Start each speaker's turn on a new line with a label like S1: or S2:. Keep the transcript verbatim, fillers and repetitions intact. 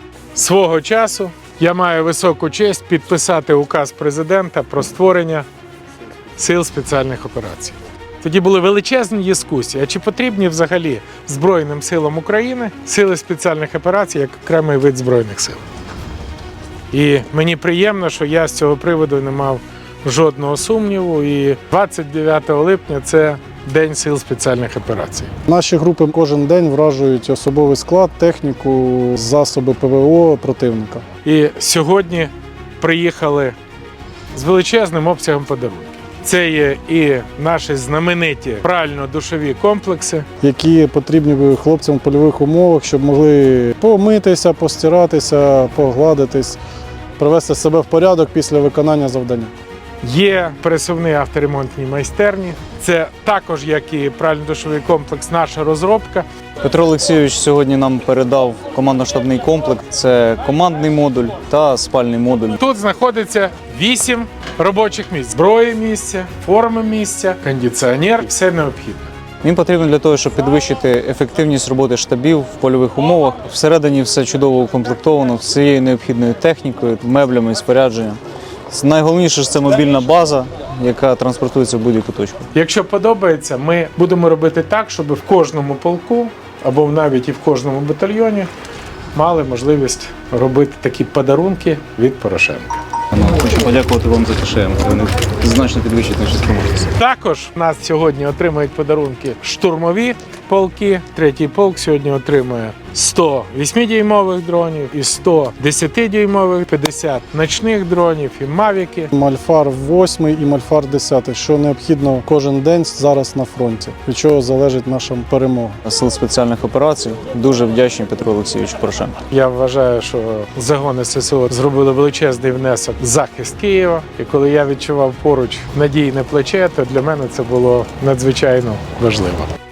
S1: Свого часу я маю високу честь підписати указ президента про створення Сил спеціальних операцій. Тоді були величезні дискусії, а чи потрібні взагалі Збройним силам України Сили спеціальних операцій як окремий вид Збройних сил. І мені приємно, що я з цього приводу не мав жодного сумніву. І двадцять дев'ятого липня – це День Сил спеціальних операцій.
S2: Наші групи кожен день вражують особовий склад, техніку, засоби ПВО противника.
S1: І сьогодні приїхали з величезним обсягом подарунків. Це є і наші знамениті прально-душові комплекси,
S2: Які потрібні хлопцям в польових умовах, щоб могли помитися, постиратися, погладитись, привести себе в порядок після виконання завдання.
S1: Є пересувні авторемонтні майстерні. Це також, як і прально-душовий комплекс, наша розробка.
S3: Петро Олексійович сьогодні нам передав командно-штабний комплект. Це командний модуль та спальний модуль.
S1: Тут знаходиться вісім робочих місць. Зброї місця, форми місця, кондиціонер – все необхідне.
S3: Він потрібен для того, щоб підвищити ефективність роботи штабів в польових умовах. Всередині все чудово укомплектовано, всією необхідною технікою, меблями і спорядженням. Найголовніше ж це мобільна база, яка транспортується в будь-яку точку.
S1: Якщо подобається, ми будемо робити так, щоб в кожному полку або навіть і в кожному батальйоні мали можливість робити такі подарунки від Порошенка.
S3: Хочу подякувати вам за КШМ. Вони значно підвищують наші спроможності.
S1: Також в нас сьогодні отримають подарунки штурмові полки. Третій полк сьогодні отримує сто восьмидюймових дронів і сто десятидюймових, п'ятдесят ночних дронів і мавіки.
S2: Мальфар восьмий і Мальфар десятий, що необхідно кожен день зараз на фронті, від чого залежить наша перемога.
S3: Сил спеціальних операцій дуже вдячні Петру Олексійовичу Порошенку.
S1: Я вважаю, що загони ССО зробили величезний внесок в захист Києва. І коли я відчував поруч надійне плече, то для мене це було надзвичайно важливо.